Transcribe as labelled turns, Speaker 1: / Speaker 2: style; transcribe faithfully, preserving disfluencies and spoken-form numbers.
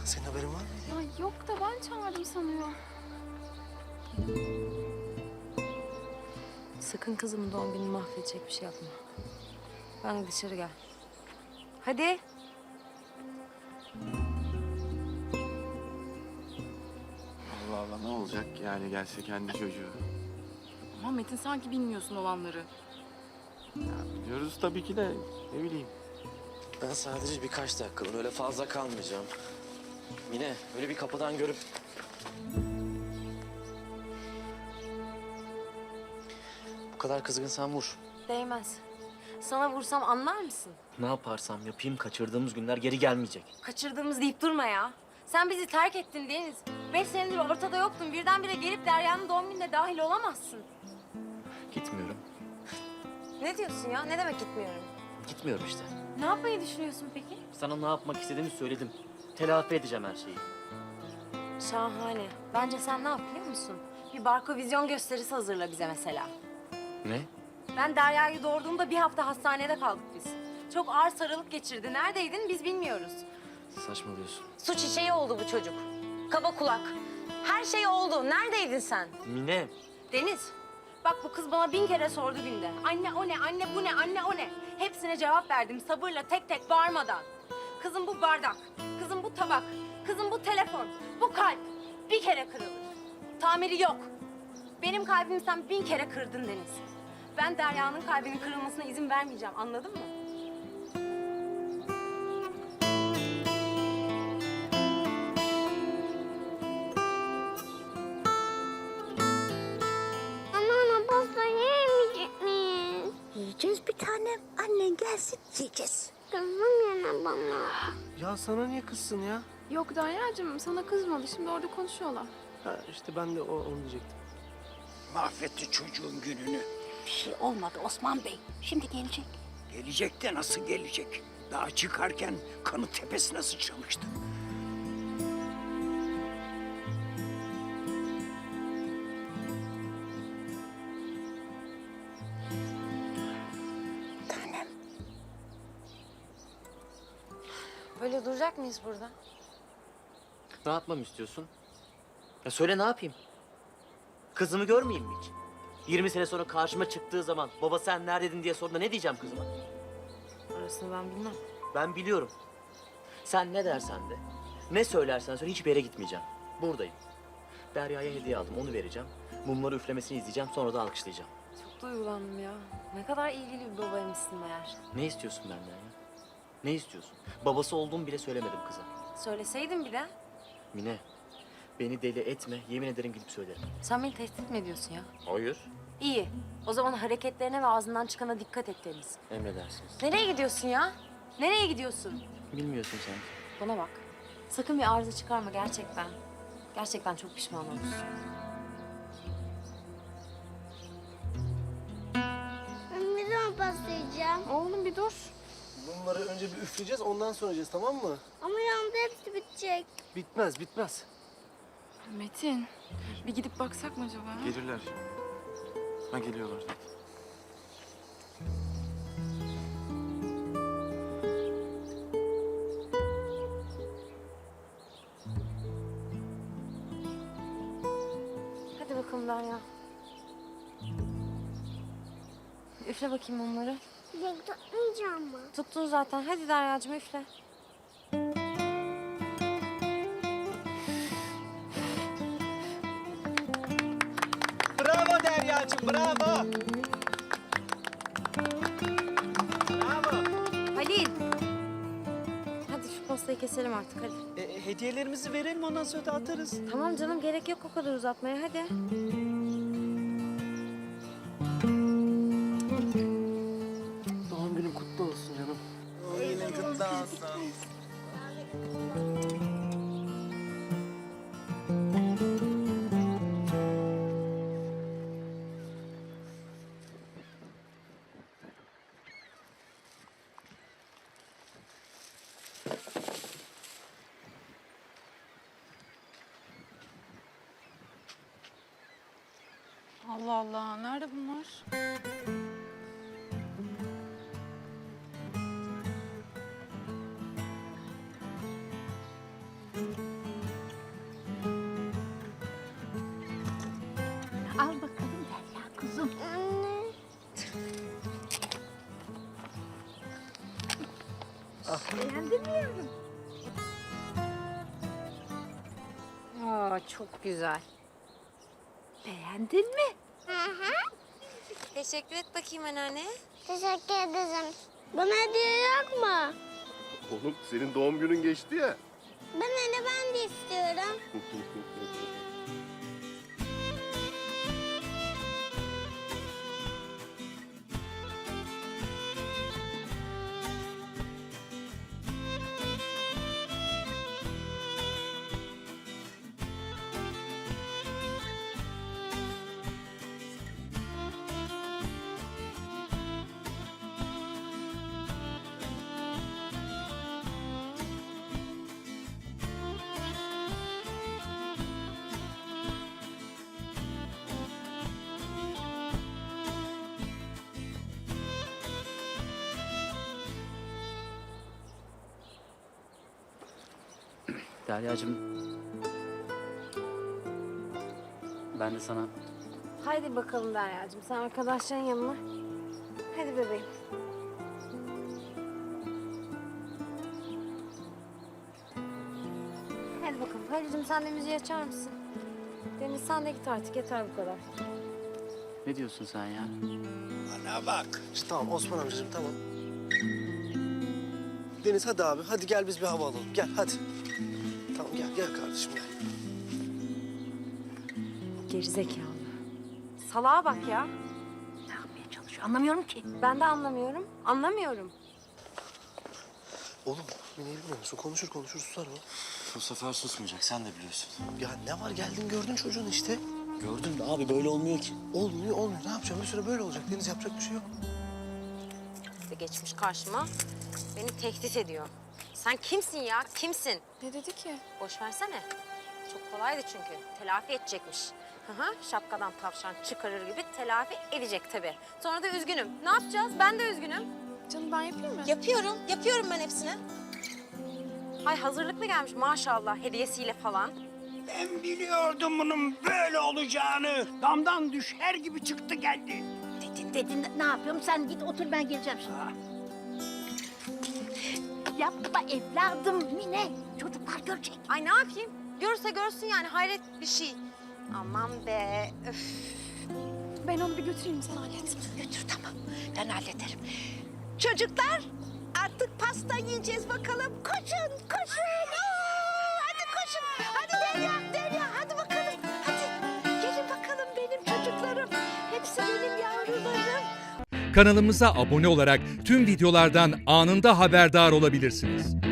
Speaker 1: Senin haberin var mı?
Speaker 2: Ya yok da ben çağırdım sanıyor.
Speaker 3: Sakın kızımın doğum gününü mahvedecek bir şey yapma. Ben dışarı gel. Hadi.
Speaker 4: Allah Allah ne olacak yani gelse kendi çocuğu.
Speaker 2: Ama Metin sanki bilmiyorsun olanları.
Speaker 4: Ya biliyoruz tabii ki de ne bileyim.
Speaker 1: Ben sadece birkaç dakikalığına öyle fazla kalmayacağım. Mine öyle bir kapıdan görüp... Bu kadar kızgınsan vur.
Speaker 3: Değmez. Sana vursam anlar mısın?
Speaker 5: Ne yaparsam yapayım kaçırdığımız günler geri gelmeyecek.
Speaker 3: Kaçırdığımız deyip durma ya. Sen bizi terk ettin Deniz. Beş senedir ortada yoktun. Birdenbire gelip Derya'nın doğum gününe dahil olamazsın.
Speaker 5: Gitmiyorum.
Speaker 3: Ne diyorsun ya? Ne demek gitmiyorum?
Speaker 5: Gitmiyorum işte.
Speaker 3: Ne yapmayı düşünüyorsun peki?
Speaker 5: Sana ne yapmak istediğimi söyledim. Telafi edeceğim her şeyi.
Speaker 3: Şahane. Bence sen ne yap biliyor musun? Bir barko vizyon gösterisi hazırla bize mesela.
Speaker 5: Ne?
Speaker 3: Ben Derya'yı doğurduğumda bir hafta hastanede kaldık biz. Çok ağır sarılık geçirdi. Neredeydin biz bilmiyoruz.
Speaker 5: Saçmalıyorsun.
Speaker 3: Su çiçeği oldu bu çocuk. Kaba kulak. Her şey oldu. Neredeydin sen?
Speaker 5: Mine.
Speaker 3: Deniz, bak bu kız bana bin kere sordu günde. Anne o ne, anne bu ne, anne o ne? Hepsine cevap verdim sabırla, tek tek bağırmadan. Kızım bu bardak, kızım bu tabak, kızım bu telefon, bu kalp bir kere kırılır. Tamiri yok. Benim kalbimi sen bin kere kırdın Deniz. Ben Derya'nın kalbinin kırılmasına izin vermeyeceğim, anladın mı?
Speaker 6: Anneanne pasta yemeyecek miyiz?
Speaker 7: Yiyeceğiz bir tanem. Annen gelsin yiyeceğiz.
Speaker 6: Kızım yine bana.
Speaker 1: Ya sana niye kızsın ya?
Speaker 2: Yok Derya'cığım sana kızmadı. Şimdi orada konuşuyorlar.
Speaker 1: Ha işte ben de o, onu diyecektim.
Speaker 8: Mahvetti çocuğun gününü.
Speaker 7: Bir şey olmadı Osman Bey. Şimdi gelecek.
Speaker 8: Gelecek de nasıl gelecek? Daha çıkarken kanı tepesine sıçramıştı.
Speaker 7: Tanem.
Speaker 3: Böyle duracak mıyız burada?
Speaker 5: Ne yapmamı istiyorsun? Ya söyle ne yapayım? Kızımı görmeyeyim mi hiç? yirmi sene sonra karşıma çıktığı zaman baba sen neredeydin diye sorduğunda ne diyeceğim kızıma?
Speaker 3: Orasını ben bilmem.
Speaker 5: Ben biliyorum. Sen ne dersen de, ne söylersen söyle hiçbir yere gitmeyeceğim. Buradayım. Derya'ya hediye aldım, onu vereceğim. Mumları üflemesini izleyeceğim, sonra da alkışlayacağım.
Speaker 3: Çok duygulandım ya. Ne kadar ilgili bir babaymışsın meğer.
Speaker 5: Ne istiyorsun benden ya? Ne istiyorsun? Babası olduğumu bile söylemedim kıza.
Speaker 3: Söyleseydin bir de.
Speaker 5: Mine, beni deli etme, yemin ederim gidip söylerim.
Speaker 3: Sen beni tehdit mi ediyorsun ya?
Speaker 5: Hayır.
Speaker 3: İyi. O zaman hareketlerine ve ağzından çıkana dikkat et Deniz.
Speaker 5: Emredersiniz.
Speaker 3: Nereye gidiyorsun ya? Nereye gidiyorsun?
Speaker 5: Bilmiyorsun sen.
Speaker 3: Bana bak. Sakın bir arıza çıkarma gerçekten. Gerçekten çok pişman olursun.
Speaker 6: Ben ne zaman pasta yiyeceğim?
Speaker 2: Oğlum bir dur.
Speaker 1: Bunları önce bir üfleyeceğiz ondan sonra yiyeceğiz tamam mı?
Speaker 6: Ama yanında hepsi bitecek.
Speaker 1: Bitmez bitmez.
Speaker 2: Metin bir gidip baksak mı acaba?
Speaker 4: Gelirler. Ha geliyorlar zaten.
Speaker 3: Hadi bakalım Derya. Üfle bakayım onları.
Speaker 6: Yok tutmayacağım mı?
Speaker 3: Tuttun zaten. Hadi Derya'cığım üfle.
Speaker 9: Bravo Derya'cığım, bravo. Bravo.
Speaker 3: Halil. Hadi şu pastayı keselim artık hadi.
Speaker 9: E, hediyelerimizi verelim, ondan sonra da atarız.
Speaker 3: Tamam canım gerek yok o kadar uzatmaya hadi.
Speaker 1: Doğum günün kutlu olsun canım.
Speaker 4: Yine kutlu olsun.
Speaker 2: Allah Allah nerede bunlar?
Speaker 7: Beğendin mi yavrum?
Speaker 3: Aa, çok güzel.
Speaker 7: Beğendin mi?
Speaker 6: Hı hı.
Speaker 3: Teşekkür et bakayım anneanne.
Speaker 6: Teşekkür ederim. Bana hediye yok mu?
Speaker 10: Oğlum senin doğum günün geçti ya.
Speaker 6: Ben hele ben de istiyorum.
Speaker 5: Derya'cığım. Ben de sana
Speaker 3: Haydi bakalım Derya'cığım, sen arkadaşların yanına. Hadi bebeğim. Hadi bakalım. Halil'cim sen de müziği açar mısın? Deniz sen de git artık, yeter bu kadar.
Speaker 5: ne diyorsun sen ya?
Speaker 8: Bana bak.
Speaker 11: İşte tamam Osman amcacığım tamam. Deniz hadi abi hadi gel biz bir hava alalım. Gel hadi. Tamam gel gel kardeşim gel.
Speaker 3: Gerizekalı. Salağa bak ya.
Speaker 7: Ne yapmaya çalışıyor? Anlamıyorum ki.
Speaker 3: Ben de anlamıyorum. Anlamıyorum.
Speaker 11: Oğlum Mine'yi bilmiyor musun? Konuşur konuşur susar o.
Speaker 1: Bu sefer susmayacak sen de biliyorsun.
Speaker 11: Ya ne var geldin gördün çocuğun işte.
Speaker 1: Gördün mü abi böyle olmuyor ki.
Speaker 11: Olmuyor olmuyor ne yapacağım bir süre böyle olacak. Deniz yapacak bir şey yok.
Speaker 3: İşte geçmiş karşıma. Beni tehdit ediyor. Sen kimsin ya? Kimsin?
Speaker 2: Ne dedi ki?
Speaker 3: Boş versene. Çok kolaydı çünkü. Telafi edecekmiş. Hı hı, şapkadan tavşan çıkarır gibi telafi edecek tabii. Sonra da üzgünüm. Ne yapacağız? Ben de üzgünüm.
Speaker 2: Canım ben yapayım mı?
Speaker 3: Yapıyorum. Yapıyorum ben hepsini. Ay hazırlıklı gelmiş maşallah hediyesiyle falan.
Speaker 8: Ben biliyordum bunun böyle olacağını. Damdan düşer gibi çıktı geldi.
Speaker 7: Dedin dedin ne yapıyorum? Sen git otur ben geleceğim şimdi.
Speaker 8: Ha.
Speaker 7: Yapma evladım Mine. Çocuklar görecek.
Speaker 3: Ay ne yapayım? Görse görsün yani hayret bir şey. Aman be. Öf.
Speaker 2: Ben onu bir götüreyim sen hallet.
Speaker 7: Götür tamam. Ben hallederim. Çocuklar artık pasta yiyeceğiz bakalım. Koşun koşun. Aa, hadi koşun. Hadi Derya Derya hadi bakalım. Hadi gelin bakalım benim çocuklarım. Hepsi benim yavrularım.
Speaker 12: Kanalımıza abone olarak tüm videolardan anında haberdar olabilirsiniz.